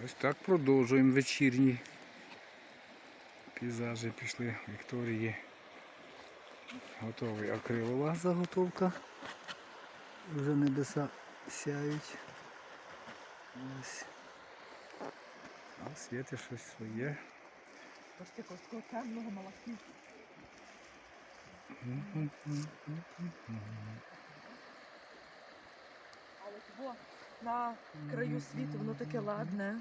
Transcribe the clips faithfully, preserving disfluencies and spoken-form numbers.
Ось так продовжуємо вечірні пейзажі. Пішли Вікторії. Готовий акрилова заготовка. Вже небеса сяють. Ось. А в світі щось своє. Бачите, такого темного малахіту. Але того на краю світу воно таке ладне.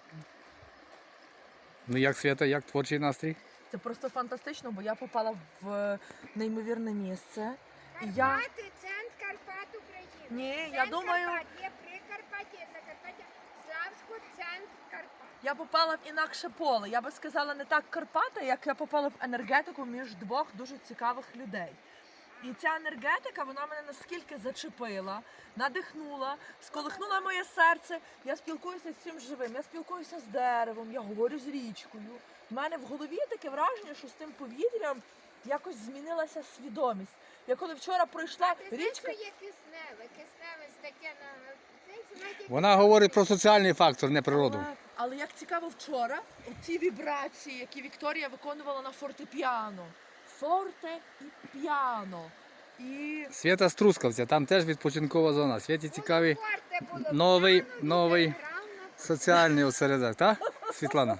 Ну як, Свята, як творчий настрій? Це просто фантастично, бо я попала в неймовірне місце. І я... Карпати, центр Карпат України. Ні, Центр я думаю- Карпат є Прикарпаття, є Закарпаття, Славську, центр Карпат. Я попала в інакше поле. Я би сказала не так Карпати, як я попала в енергетику між двох дуже цікавих людей. І ця енергетика, вона мене наскільки зачепила, надихнула, сколихнула моє серце. Я спілкуюся з цим живим, я спілкуюся з деревом, я говорю з річкою. У мене в голові таке враження, що з тим повітрям якось змінилася свідомість. Я коли вчора пройшла А ти знаєш, річка... що є кисневе? Кисневе таке на... Це, знаєте, Вона говорить про соціальний фактор, не природу. Але, але як цікаво вчора, оці вібрації, які Вікторія виконувала на фортепіано. Форте і піано. І Свята з Трускавця, там теж відпочинкова зона. Святі цікавий форте було новий, п'яно, новий вітер грав на соціальний осередок, так, Світлана?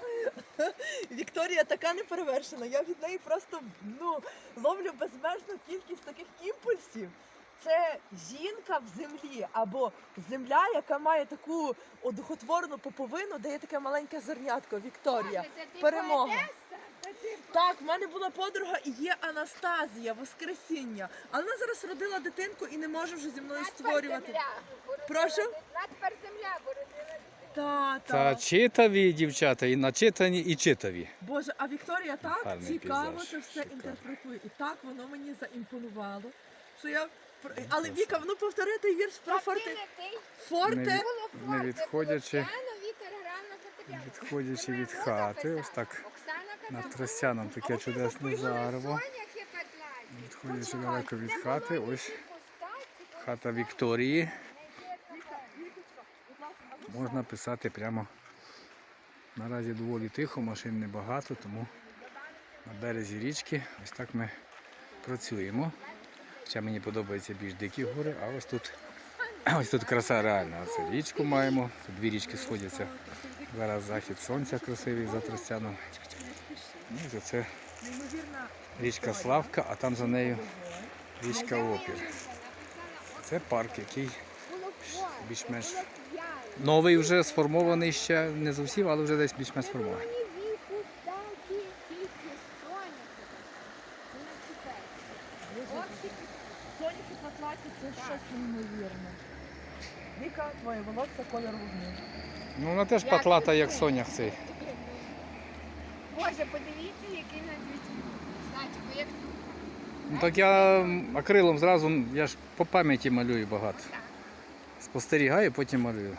Вікторія така неперевершена. Я від неї просто ну, ловлю безмежну кількість таких імпульсів. Це жінка в землі, або земля, яка має таку одухотворну поповину, де є таке маленьке зернятко. Вікторія. Боже, це ти Перемога. поетеса? Це ти Так, в мене була подруга і є Анастазія, Воскресіння. Але вона зараз родила дитинку і не може вже зі мною Надпер створювати. земля бородила Прошу? дит- Надпер земля бородила дитину. Та, Та та. читаві дівчата, і начитані, і читаві. Боже, а Вікторія так Гарний цікаво пейзаж, це все шикарно. інтерпретує. І так воно мені заімпонувало. Що я... Але Віка, ну повтори той вірш про Так, форте. ти не ти. Форте. Не- Було Не форте, відходячи, було п'яно, вітер грав на фортепіано. відходячи Це моя від муза хати, писала. ось так Оксана над казала, Тростяном таке чудесне зарево. соняхи петлять. Відходячи далеко від Це хати, було ось їх пустать, хата Вікторії. Вікочка, будь ласка, а ну Можна писати прямо. Наразі доволі тихо, машин небагато, тому на березі річки ось так ми працюємо. Ще мені подобаються більш дикі гори, а ось тут, ось тут краса реальна. Оце річку маємо, тут дві річки сходяться. Зараз захід сонця красивий за Тростяном. Ну, і це неймовірна річка Славка, а там за нею річка Опір. Це парк, який було форте, більш-менш було п'яно. новий вже, сформований ще не зовсім, але вже десь більш-менш сформований. Вони віку статі тільки соняхи. Це не чіпається. Оксики. соняхи потлаті, це щось неймовірне. Віка, твоє волосся колір вогню. Ну, вона теж Як патлата, ти як це? сонях цей. Боже, подивіться, який надвічний. Значить, як Ну так я м, акрилом зразу, я ж по пам'яті малюю багато. Спостерігаю, потім малюю.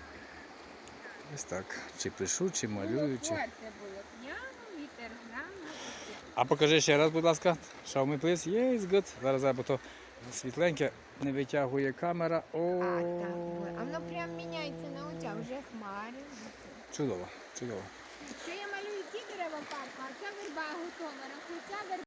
Ось так. Чи пишу, чи малюю, чи. форте було п'яно, вітер грав на фортепіано. А покажи ще раз, будь ласка. Show me please. Yes, good. Зараз я, бо то світленьке не витягує камера. О, А, так, а воно прям міняється на очах, вже хмари. чудово, чудово. Що я малюю ті дерева парку, а ця верба готова, а ця верба